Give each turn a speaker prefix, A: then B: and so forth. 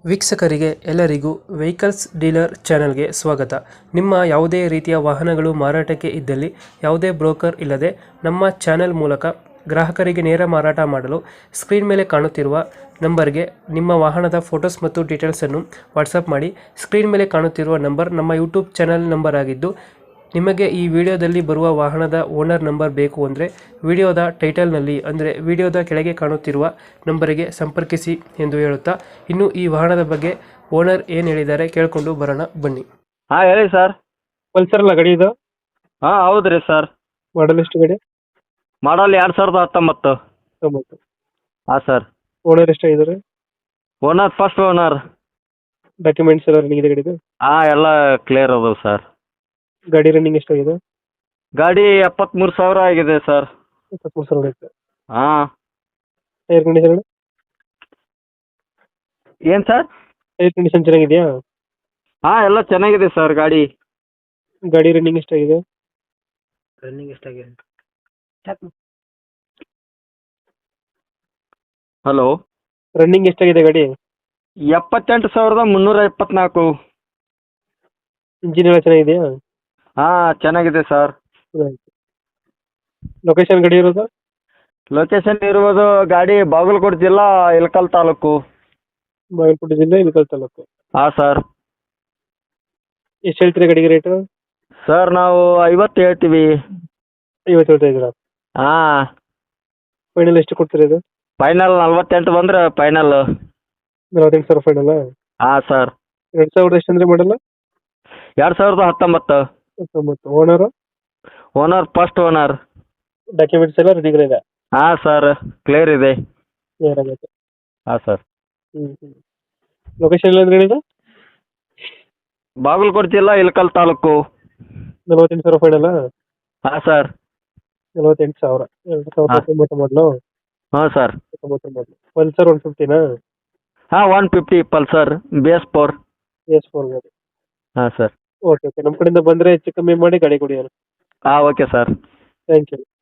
A: ವೀಕ್ಷಕರಿಗೆ ಎಲ್ಲರಿಗೂ vehicles dealer ಚಾನೆಲ್ಗೆ ಸ್ವಾಗತ. ನಿಮ್ಮ ಯಾವುದೇ ರೀತಿಯ ವಾಹನಗಳು ಮಾರಾಟಕ್ಕೆ ಇದ್ದಲ್ಲಿ ಯಾವುದೇ ಬ್ರೋಕರ್ ಇಲ್ಲದೆ ನಮ್ಮ ಚಾನೆಲ್ ಮೂಲಕ ಗ್ರಾಹಕರಿಗೆ ನೇರ ಮಾರಾಟ ಮಾಡಲು ಸ್ಕ್ರೀನ್ ಮೇಲೆ ಕಾಣುತ್ತಿರುವ ನಂಬರ್ಗೆ ನಿಮ್ಮ ವಾಹನದ ಫೋಟೋಸ್ ಮತ್ತು ಡೀಟೇಲ್ಸನ್ನು ವಾಟ್ಸಪ್ ಮಾಡಿ. ಸ್ಕ್ರೀನ್ ಮೇಲೆ ಕಾಣುತ್ತಿರುವ ನಂಬರ್ ನಮ್ಮ ಯೂಟ್ಯೂಬ್ ಚಾನೆಲ್ ನಂಬರ್ ಆಗಿದ್ದು, ನಿಮಗೆ ಈ ವಿಡಿಯೋದಲ್ಲಿ ಬರುವ ವಾಹನದ ಓನರ್ ನಂಬರ್ ಬೇಕು ಅಂದರೆ ವಿಡಿಯೋದ ಟೈಟಲ್ನಲ್ಲಿ ಅಂದರೆ ವಿಡಿಯೋದ ಕೆಳಗೆ ಕಾಣುತ್ತಿರುವ ನಂಬರಿಗೆ ಸಂಪರ್ಕಿಸಿ ಎಂದು ಹೇಳುತ್ತಾ, ಇನ್ನು ಈ ವಾಹನದ ಬಗ್ಗೆ ಓನರ್ ಏನು ಹೇಳಿದ್ದಾರೆ ಕೇಳಿಕೊಂಡು ಬರೋಣ ಬನ್ನಿ.
B: ಹಾಂ ಹೇಳಿ ಸರ್.
A: ಪಲ್ಸರ್ ಅಲ್ಲ ಗಾಡಿ ಇದು?
B: ಹಾಂ ಹೌದು ರೀ ಸರ್.
A: ಮಾಡಲ್ ಎಷ್ಟು ಗಾಡಿ?
B: ಮಾಡಲ್ 2019. ಹಾಂ ಸರ್.
A: ಓನರ್ ಎಷ್ಟಾಗಿದ್ದಾರೆ?
B: Owner first owner.
A: ಡಾಕ್ಯುಮೆಂಟ್ಸ್ ಎಲ್ಲ ರನ್ನಿಂಗ್ ಇದೆ ಗಾಡಿದು?
B: ಹಾಂ ಎಲ್ಲ ಕ್ಲಿಯರ್ ಅದಾವೆ ಸರ್.
A: ಗಾಡಿ ರನ್ನಿಂಗ್ ಎಷ್ಟಾಗಿದೆ?
B: ಗಾಡಿ 73,000 ಆಗಿದೆ ಸರ್.
A: 23,000 ಹೊಡೆಯುತ್ತೆ.
B: ಹಾಂ.
A: Tyre condition?
B: ಏನು ಸರ್?
A: ಟೈರ್ ಕಂಡೀಷನ್ ಚೆನ್ನಾಗಿದೆಯಾ?
B: ಹಾಂ ಎಲ್ಲ ಚೆನ್ನಾಗಿದೆ ಸರ್ ಗಾಡಿ.
A: ಗಾಡಿ ರನ್ನಿಂಗ್ ಎಷ್ಟಾಗಿದೆ?
B: ಹಲೋ.
A: ರನ್ನಿಂಗ್ ಎಷ್ಟಾಗಿದೆ ಗಾಡಿ?
B: 78,324.
A: ಇಂಜಿನ್ ಎಲ್ಲ ಚೆನ್ನಾಗಿದೆಯಾ?
B: ಹಾಂ ಚೆನ್ನಾಗಿದೆ ಸರ್.
A: ಲೊಕೇಶನ್ ಗಾಡಿ ಇರೋದು?
B: ಲೊಕೇಶನ್ ಇರುವುದು ಗಾಡಿ ಬಾಗಲಕೋಟೆ ಜಿಲ್ಲಾ ಇಳಕಲ್ ತಾಲೂಕು.
A: ಬಾಗಲಕೋಟೆ ಜಿಲ್ಲೆ ಇಳಕಲ್ ತಾಲೂಕು.
B: ಹಾಂ ಸರ್.
A: ಎಷ್ಟು ಹೇಳ್ತೀರಾ ಗಾಡಿಗೆ ರೇಟು?
B: ಸರ್ ನಾವು 50 ಹೇಳ್ತೀವಿ.
A: 50 ಹೇಳ್ತಾ ಇದ್ದೀರಾ?
B: ಹಾಂ.
A: ಫೈನಲ್ ಎಷ್ಟು ಕೊಡ್ತೀರಾ ಇದು?
B: ಫೈನಲ್ 48 ಬಂದ್ರೆ ಫೈನಲ್.
A: 48,000 ಫೈನಲ್?
B: ಹಾಂ ಸರ್.
A: 2000 ಎಷ್ಟು ಅಂದರೆ ಮಾಡಲ್ಲ?
B: 2019.
A: 19. Owner?
B: Owner first owner.
A: Documents ಎಲ್ಲ ರೆಡಿ ಇದೆ?
B: ಹಾಂ ಸರ್ ಕ್ಲಿಯರ್ ಇದೆ.
A: ಕ್ಲಿಯರ್ ಆಗೈತೆ.
B: ಹಾಂ ಸರ್.
A: ಲೊಕೇಶನ್ ಎಲ್ಲ ಅಂದ್ರೆ ಹೇಳಿದ?
B: ಬಾಗಲಕೋಟೆ ಜಿಲ್ಲಾ ಇಳಕಲ್ ತಾಲೂಕು.
A: 48,000 ಫೈನಲ್?
B: ಹಾಂ ಸರ್.
A: 48,000. 2019 ಮಾಡಲು?
B: ಹಾಂ ಸರ್.
A: 19 ಮಾಡಲು. ಪಲ್ಸರ್ 150ನಾ?
B: ಹಾಂ 150 ಪಲ್ಸರ್ BS4.
A: BS4 ಗಾಡಿ.
B: ಹಾಂ ಸರ್.
A: ಓಕೆ ಓಕೆ, ನಮ್ಮ ಕಡೆಯಿಂದ ಬಂದರೆ ಹೆಚ್ಚು ಕಮ್ಮಿ ಮಾಡಿ ಗಾಡಿ ಕೊಡಿ.
B: ಹಾಂ ಓಕೆ ಸರ್.
A: Thank you.